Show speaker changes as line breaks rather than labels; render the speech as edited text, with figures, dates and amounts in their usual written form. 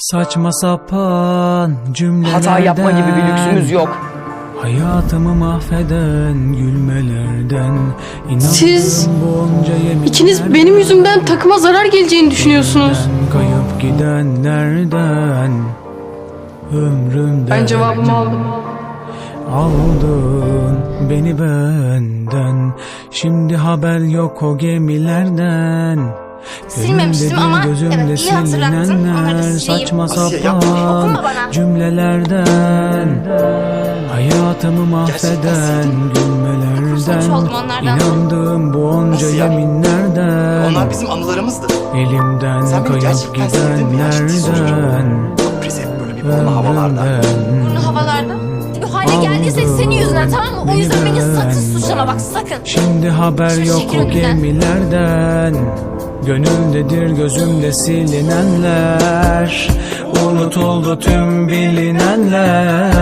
Saçma sapan cümlelerden
Hata yapma gibi bir lüksümüz yok.
Hayatımı mahveden gülmelerden
Siz
bunca
İkiniz benim yüzümden takıma zarar geleceğini düşünüyorsunuz.
Kayıp gidenlerden ömrümden
Ben cevabımı aldım.
Aldın beni benden. Şimdi haber yok o gemilerden.
Silmemiştim ama evet, iyi hatırlattın. Onları da sileyim.
Saçma
Asiye,
sapan
Dokunma bana.
cümlelerden hayatımı mahveden
Suç
gülmelerden
oldum onlardan.
İnandığım bu onca
Asiye,
yeminlerden
Onlar bizim anılarımızdı.
elimden
Sen beni
kayıp
gerçekten sevdin mi ya, ciddi
gidenlerden
Biz hep böyle bir burnu havalarda.
Bunu havalarda. Bu hale geldiyse senin yüzünden, tamam mı? O yüzden beni sakın suçlama, bak sakın.
Şimdi haber
Şu
yok
şekil
o
önünden.
gemilerden. Gönüldedir gözümde silinenler. Unutuldu tüm bilinenler.